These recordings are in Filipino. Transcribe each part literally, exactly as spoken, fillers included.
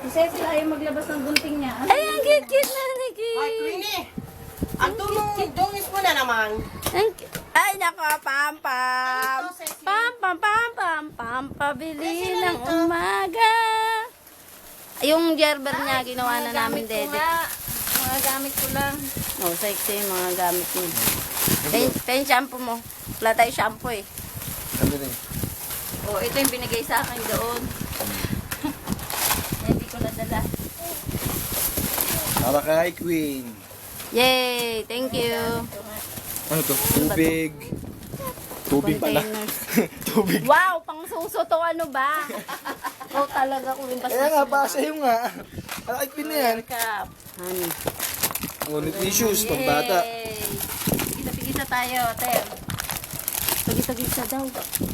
Si Cecil ayaw maglabas ng gunting niya. Ay, ang cute-cute na ni Ay, Queenie! Ang tulong dungis mo na naman. Ay, nako, pam, pam. Ano to, Cecil? Pam, pam, pam, pam, pam, pabili ng umaga. Yung gerber niya, ginawa na namin, gamit ko Dede. nga. Mga gamit ko lang. Oh, sexy yung mga gamit mo. Pen, pen shampoo mo. Wala tayo shampoo eh. Ano rin? Oh, ito yung binigay sa akin doon. Hindi ko nadala. Para kay Queen. Yay! Thank you. Ano to? Tubig. Tubig pala. Containers. Tubig. Wow! Pang suso to ano ba? Oh, talaga ko rin Kaya nga, basa yung nga. Para kay Queen na yan. Cup. Honey. Ngunit tissues, pang bata. Yay! Pigisa-pigisa tayo, Ter. Pagisa-gisa daw.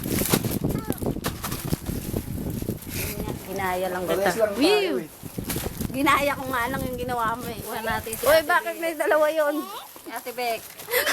Ginaya lang kita. Parehas lang tayo Whew! eh. Ginaya ko nga lang yung ginawa mo eh. Kuha natin si Uy, Ate bakit may dalawa yun? Ate Beck.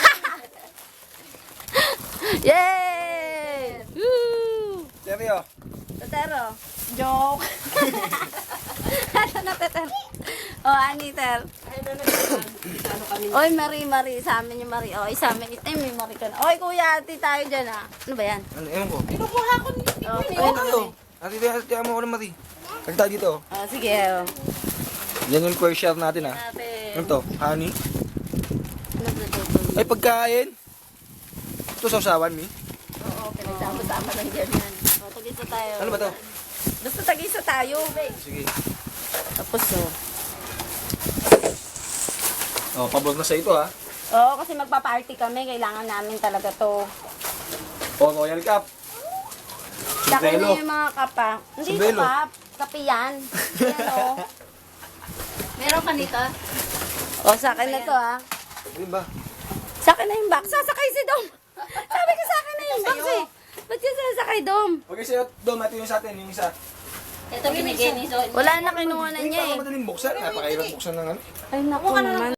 Yay! Woo! Seryo. Tetero. Joke. Ano na, Tetero? Oh, Aniter. Ano kami? Oy, Marie, Marie. Sa amin yung Marie. Oy, sa amin. Ay, may Marie ka na. Oy, kuya, ati tayo dyan ah. Ano ba yan? Ano, ewan ko. Kinukuha ko ni Oh, Queenie. ayun, Ano? Ate, ate, ate mo ako ng mati. Kagta dito. oh, sige. Oh. Yan yung first share natin ah. Ate. Ano to? Honey? Ano ba ito? Ay, pagkain. Ito sausawan, mi. Oo, pinagsama-sama lang dyan yan. Oh, tagisa tayo. Ano ba to? Basta tagisa tayo. Sige. Tapos, oh. Oh, pabor na sa ito ah. Oo, kasi magpa-party kami. Kailangan namin talaga to. Oh, Royal Cup. Sa akin Sombrero. na yung mga kapa. Hindi ito Sombrero. kap. Kape yan. Yan, oh. Meron ka nito? Oh, sa akin na to, ah. Ano ba? Sa akin na yung box. Sasakay si Dom. Sabi ko sa akin na yung box, eh. Ba't yung sasakay, Dom? Okay, sa'yo, Dom, ito yung sa atin, yung isa. Ito binigay ni Zoe. Wala na kinuha na Hindi niya, pa eh. madaling buksan. Napakahirap buksan ng ano. Ay, naku naman.